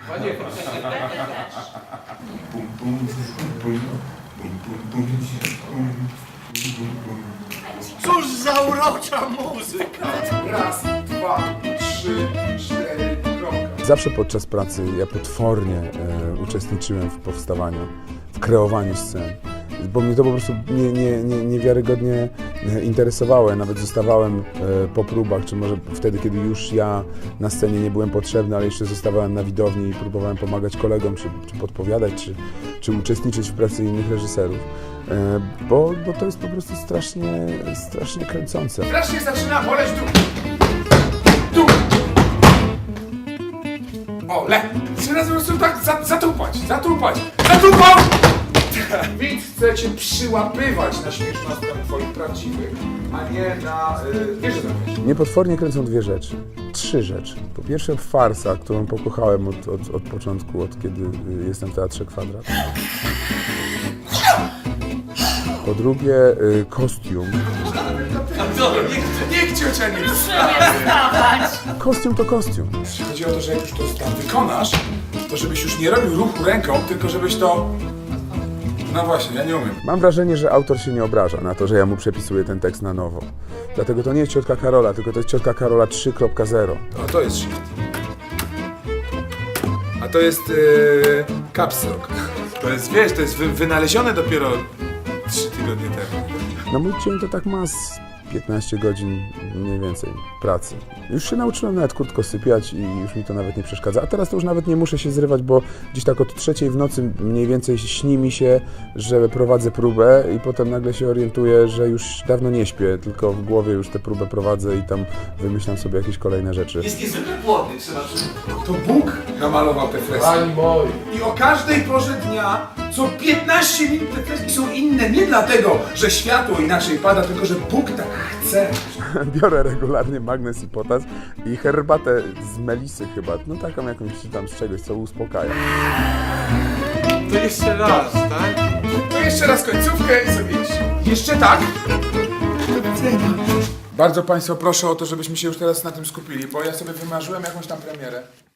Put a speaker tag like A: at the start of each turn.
A: Cóż za urocza muzyka!
B: Raz, dwa, trzy, cztery, kropka.
C: Zawsze podczas pracy ja potwornie uczestniczyłem w powstawaniu, w kreowaniu scen, bo mnie to po prostu niewiarygodnie interesowało. Ja nawet zostawałem po próbach, czy może wtedy, kiedy już ja na scenie nie byłem potrzebny, ale jeszcze zostawałem na widowni i próbowałem pomagać kolegom, czy podpowiadać, czy uczestniczyć w pracy innych reżyserów, bo to jest po prostu strasznie kręcące.
B: Strasznie zaczyna boleć dół. O, trzy razy po prostu tak zatupać. Widz chce cię przyłapywać na śmiesznostkach twoich prawdziwych, a nie na wieży zamknięcia.
C: Mnie potwornie kręcą dwie rzeczy. Trzy rzeczy. Po pierwsze farsa, którą pokochałem od początku, od kiedy jestem w Teatrze Kwadrat. Po drugie kostium.
B: Niech ciocia nie
D: Proszę nie wstawać!
C: Kostium to kostium.
B: Chodzi o to, że jak już to tam wykonasz, to żebyś już nie robił ruchu ręką, tylko żebyś to... No właśnie, ja nie umiem.
C: Mam wrażenie, że autor się nie obraża na to, że ja mu przepisuję ten tekst na nowo. Dlatego to nie jest Ciotka Karola, tylko to jest Ciotka Karola 3.0.
B: A to jest shift. A to jest caps lock. To jest, wiesz, to jest wynalezione dopiero 3 tygodnie temu.
C: No mój dzień to tak ma z 15 godzin mniej więcej pracy. Już się nauczyłem nawet krótko sypiać i już mi to nawet nie przeszkadza. A teraz to już nawet nie muszę się zrywać, bo gdzieś tak od 3 w nocy mniej więcej śni mi się, że prowadzę próbę i potem nagle się orientuję, że już dawno nie śpię, tylko w głowie już tę próbę prowadzę i tam wymyślam sobie jakieś kolejne rzeczy.
A: Jest niezwykle płodny, trzeba przyznać.
B: To Bóg namalował te freski.
A: Pani moi.
B: I o każdej porze dnia, co 15 minut te freski są inne. Nie dlatego, że światło inaczej pada, tylko że Bóg tak chce.
C: Biorę regularnie magnes i potas i herbatę z melisy chyba, no taką jakąś tam z czegoś, co uspokaja.
A: To jeszcze raz, tak?
B: To jeszcze raz końcówkę i sobie iść. Jeszcze tak. Bardzo Państwa proszę o to, żebyśmy się już teraz na tym skupili, bo ja sobie wymarzyłem jakąś tam premierę.